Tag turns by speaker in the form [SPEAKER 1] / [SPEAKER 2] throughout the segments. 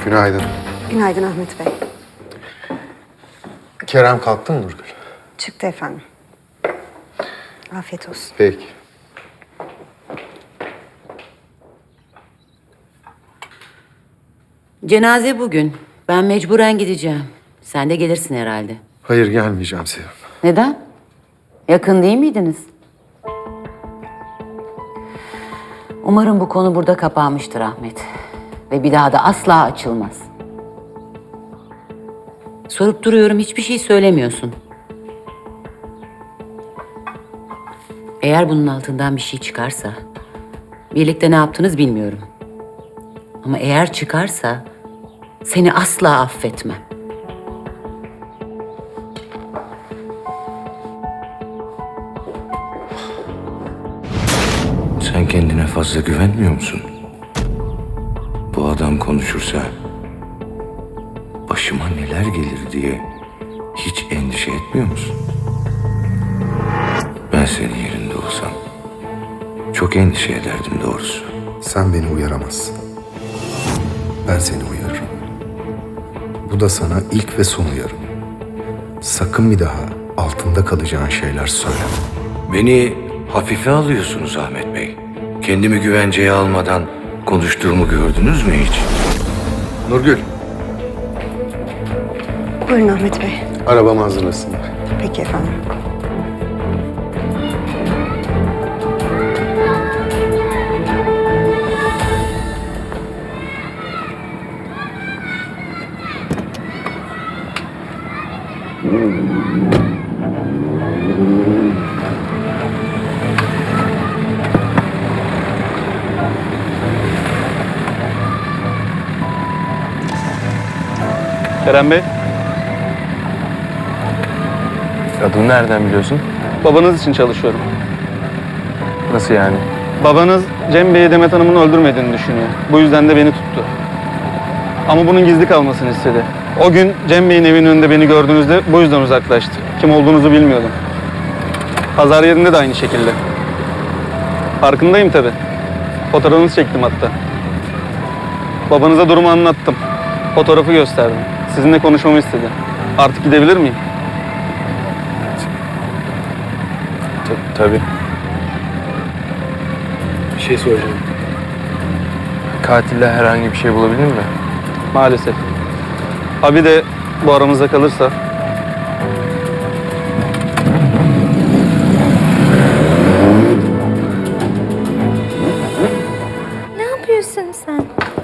[SPEAKER 1] Günaydın.
[SPEAKER 2] Günaydın Ahmet Bey.
[SPEAKER 1] Kerem kalktı mı Nurgül?
[SPEAKER 2] Çıktı efendim. Afiyet olsun.
[SPEAKER 1] Peki.
[SPEAKER 3] Cenaze bugün. Ben mecburen gideceğim. Sen de gelirsin herhalde.
[SPEAKER 1] Hayır gelmeyeceğim Sevim.
[SPEAKER 3] Neden? Yakın değil miydiniz? Umarım bu konu burada kapanmıştır Ahmet. Ve bir daha da asla açılmaz. Sorup duruyorum, hiçbir şey söylemiyorsun. Eğer bunun altından bir şey çıkarsa... birlikte ne yaptınız bilmiyorum. Ama eğer çıkarsa... seni asla affetmem.
[SPEAKER 4] Sen kendine fazla güvenmiyor musun? Bu adam konuşursa başıma neler gelir diye hiç endişe etmiyor musun? Ben senin yerinde olsam çok endişe ederdim doğrusu.
[SPEAKER 1] Sen beni uyaramazsın. Ben seni uyarırım. Bu da sana ilk ve son uyarım. Sakın bir daha altında kalacağın şeyler söyleme.
[SPEAKER 4] Beni hafife alıyorsunuz Ahmet Bey. Kendimi güvenceye almadan konuştuğumu gördünüz mü hiç?
[SPEAKER 1] Nurgül,
[SPEAKER 2] Buyurun Ahmet Bey.
[SPEAKER 1] arabamı hazırlasınlar.
[SPEAKER 2] Peki efendim.
[SPEAKER 5] Kerem Bey,
[SPEAKER 6] Adını nereden biliyorsun?
[SPEAKER 5] babanız için çalışıyorum.
[SPEAKER 6] Nasıl yani?
[SPEAKER 5] Babanız Cem Bey'i Demet Hanım'ın öldürmediğini düşünüyor. Bu yüzden de beni tuttu. Ama bunun gizli kalmasını istedi. O gün Cem Bey'in evinin önünde beni gördüğünüzde bu yüzden uzaklaştı. Kim olduğunuzu bilmiyordum. Pazar yerinde de aynı şekilde. Farkındayım tabii. Fotoğrafınızı çektim hatta. Babanıza durumu anlattım. Fotoğrafı gösterdim. Sizinle konuşmamı istedi. Artık gidebilir miyim?
[SPEAKER 6] Tabii. Bir şey soracağım. Katille herhangi bir şey bulabildin mi?
[SPEAKER 5] Maalesef. Abi de bu aramızda kalırsa...
[SPEAKER 7] Ne yapıyorsun sen?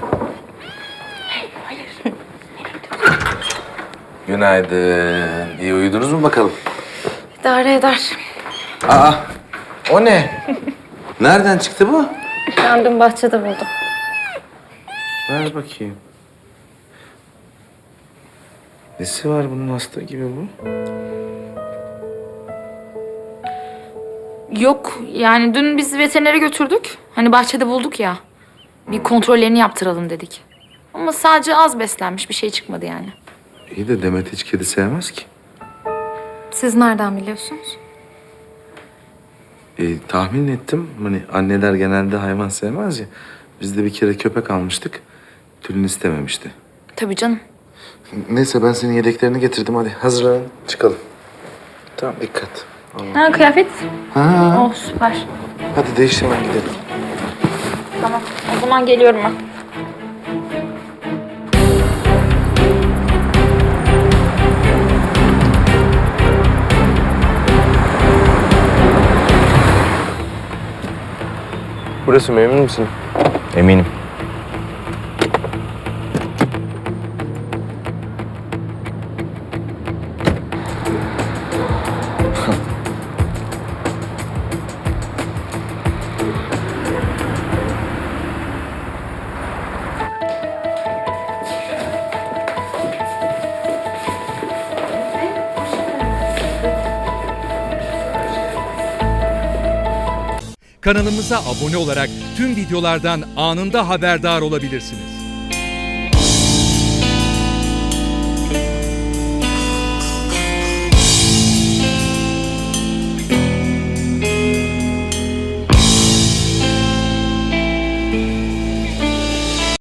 [SPEAKER 4] Günaydın. İyi uyudunuz mu bakalım?
[SPEAKER 7] İdare eder.
[SPEAKER 4] Aa, o ne? Nereden çıktı bu?
[SPEAKER 7] Ben dün bahçede buldum.
[SPEAKER 4] Ver bakayım. Nesi var bunun hasta gibi bu?
[SPEAKER 8] Yok yani dün biz veterinere götürdük. Hani bahçede bulduk ya. Bir kontrollerini yaptıralım dedik. Ama sadece az beslenmiş, bir şey çıkmadı yani.
[SPEAKER 4] İyi de Demet hiç kedi sevmez ki.
[SPEAKER 7] Siz nereden biliyorsunuz?
[SPEAKER 4] Tahmin ettim. Hani anneler genelde hayvan sevmez ya. Biz de bir kere köpek almıştık. Tülin istememişti.
[SPEAKER 8] Tabii canım.
[SPEAKER 4] Neyse ben senin yedeklerini getirdim. Hadi hazırlan çıkalım. Tamam dikkat.
[SPEAKER 8] Ha kıyafet.
[SPEAKER 4] Ha.
[SPEAKER 8] Oh süper.
[SPEAKER 4] Hadi değiştir ben gidelim.
[SPEAKER 8] Tamam o zaman geliyorum ben.
[SPEAKER 6] Burası mı, emin misin? Eminim.
[SPEAKER 9] Kanalımıza abone olarak tüm videolardan anında haberdar olabilirsiniz.